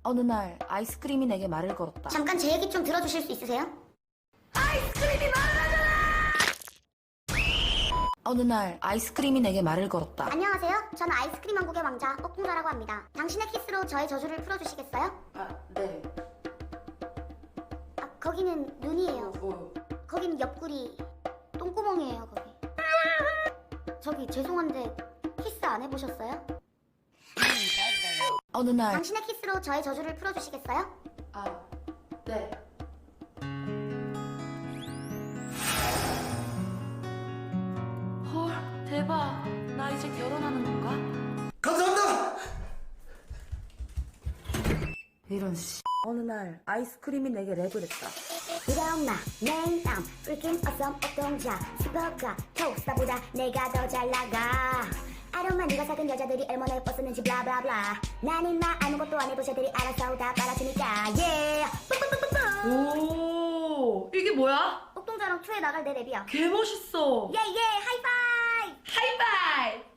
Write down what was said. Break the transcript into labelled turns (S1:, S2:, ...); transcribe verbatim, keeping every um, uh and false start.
S1: 어느 날 아이스크림이 내게 말을 걸었다.
S2: 잠깐 제 얘기 좀 들어주실 수 있으세요?
S1: 아이스크림이 말을 하잖아! 어느 날 아이스크림이 내게 말을 걸었다.
S2: 안녕하세요. 저는 아이스크림 왕국의 왕자 옥동자라고 합니다. 당신의 키스로 저의 저주를 풀어주시겠어요?
S1: 아, 네.
S2: 아, 거기는 눈이에요.
S1: 뭐?
S2: 거긴 옆구리 똥구멍이에요. 거기. 저기 죄송한데 키스 안 해보셨어요?
S1: 어느 날
S2: 당신의 키스로 저의 저주를 풀어주시겠어요?
S1: 아, 네. 헐, 대박. 나 이제 결혼하는 건가?
S3: 감사합니다.
S1: 이런 씨. 어느 날 아이스크림이 내게 랩을 했다.
S2: 이런 마 name I'm freaking awesome 옥동자 스포가 토스타보다 내가 더 잘 나가 아름만 네가 사귄 여자들이 얼마나 예뻤었는지 블라블라블라 난 인마 아무것도 안 해도 쟤들이 알아서 다 빨아주니까 yeah 뿌뿌뿌뿌뿌
S1: 오, 이게 뭐야?
S2: 옥동자랑 투에 나갈 내 랩이야
S1: 개 멋있어.
S2: 예예 하이파이브
S1: 하이파이브!